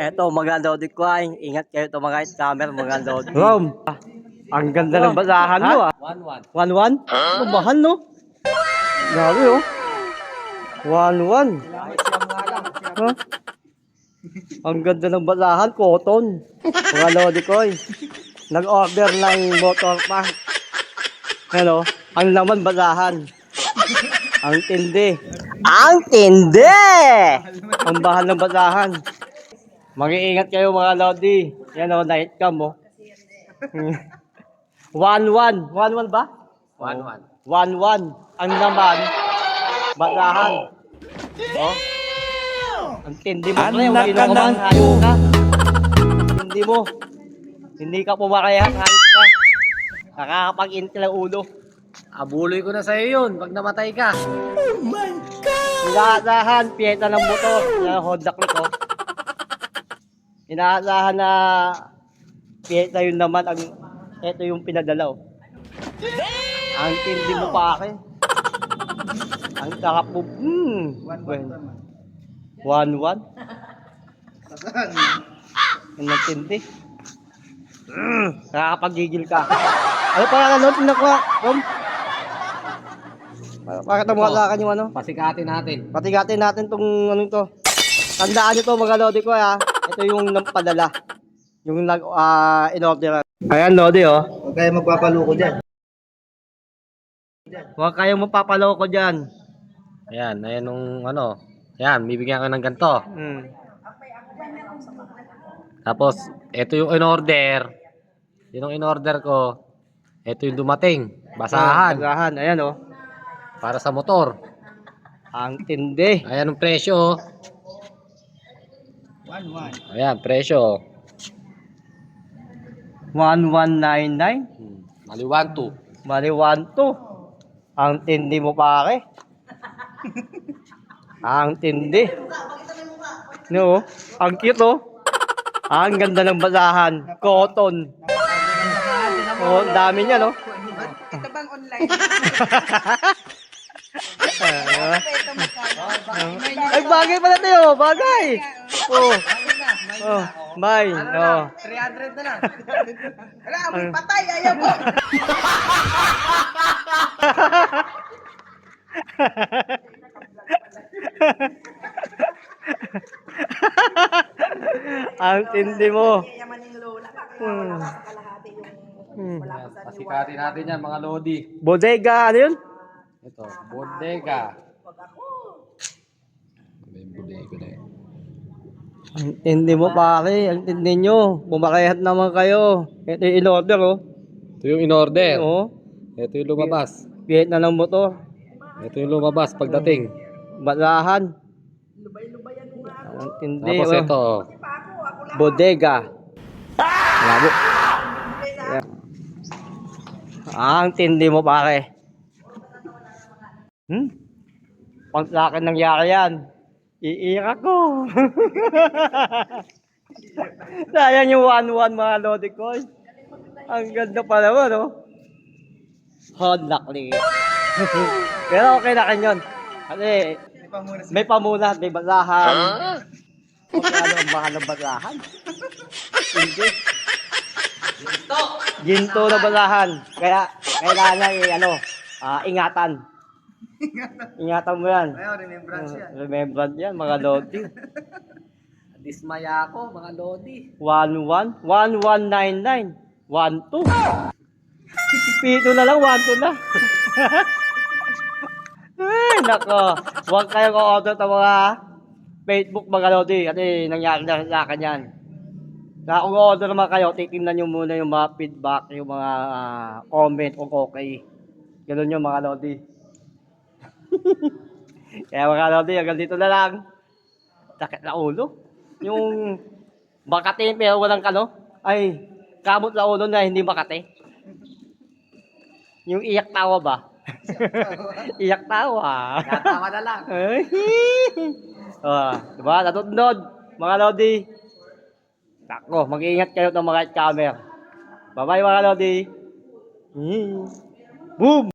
Eto, mga Lodi ko ay. Ingat kayo ito mga scammer, mga Lodi. Rom, ang ganda ng basahan mo ah. 1-1. 1-1? Huh? Mahal no? Grabe oh. 1-1. Huh? Ang ganda ng basahan, cotton. Mga Lodi ko ay. Nag-order ng motor pa. Hello, ang laman basahan. Ang tindi. Ang tindi! Ang bahal ng basahan. Mag-iingat kayo mga Lodi. Yan o, night cam o. 1-1. 1-1 ba? 1-1. 1-1. Ang naman, basahan. Oh. Ang tindi mo. Anak Pre, ka ng hayop ka. Hindi mo. Hindi ka pumakayat. Hayop ka. Nakakapag-inti lang ulo. Abuloy ko na sa'yo yun pag namatay ka. Inaasahan, piyeta ng motor. Yan, Honda Click, oh. Inaasahan na piyeta yun naman. Ito yung pinadala, oh. Ang tindi mo pa akin. Ang sarap mo. 1-1. Ang tindi. Nakakapagigil ka. Ano pa ano? Tinakwa, Rom? Bakit namuha yung ano? Pasikatin natin. Patigatin natin tong ano to. Tandaan nyo to mga Lodi ko ha. Ito yung padala. Yung in-order. Ayan Lodi oh. Huwag kayo magpapaloko dyan. Huwag kayong mapapaloko dyan. Ayan, ayan nung ano. Ayan, bibigyan ko ng ganito. Tapos, ito yung in-order. Yun ang in-order ko. Ito yung dumating. Basahan. Basahan. Ayan oh. Para sa motor. Ang tindi. Ayan ang presyo. 1-1. Ayan, presyo. 1199. Mali 1-2. Mali 1-2. Ang tindi mo pare. Ang tindi. No, ang cute oh. Ang ganda ng basahan. Cotton. Oh, dami niya no. Ito bang online? Ay, bagay pala tayo. Bagay. Oh. Oh, may. Oh. 300 na lang. Wala, amoy patay. Ayaw mo. Ang tindi mo. Yaman yung lola. Kaya wala ka sa kalahati yung wala ka sa Pasikatin natin yan mga Lodi. Bodega, ano yun? Ito, bodega. Pag ako. May bodega na yun. Ang tindi mo pare. Ang tindi nyo. Bumakayat naman kayo. Ito yung in-order oh. Ito yung in-order. Oh. Ito yung lumabas. Piyet na ng motor. Ito yung lumabas pagdating. Basahan. Lubay-lubayan mo nga. Ang tindi Tapos oh. ito. Ako lang. Bodega. Labo. Ang tindi mo pare. Pag sa akin nangyari yan, iiyak ko. Sayang yung 1-1 mga Lodi ko. Ang ganda pa naman, no? Honda Click. Pero okay na kanyon. Kasi may pamunas, may basahan. Okay, ano ang mahal ng basahan? Hindi. Ginto na basahan. Kaya kailangan ingatan. Ingatan mo yan. Remembrance yan. Remembrance yan, mga Lodi. Dismaya ako mga Lodi. 1-1, 1199, 1-2. Pito na lang, 1-2 na. Ay, nako. Huwag kayong order sa mga Facebook mga Lodi. Kasi nangyari na sa akin yan. Kaya kung order naman kayo, titingnan nyo muna yung mga feedback, yung mga comment kung okay. Ganun yung mga Lodi. Kaya mga Lodi, hanggang dito na lang. Sakit na ulo. Yung Makati pero walang ay kamot na ulo na hindi Makati. Yung iyak tawa ba? Iyak tawa. Tatawa na lang. Diba? Natutnod, mga Lodi. Tako, mag-iingat kayo ng mga camera. Bye-bye mga Lodi. Boom!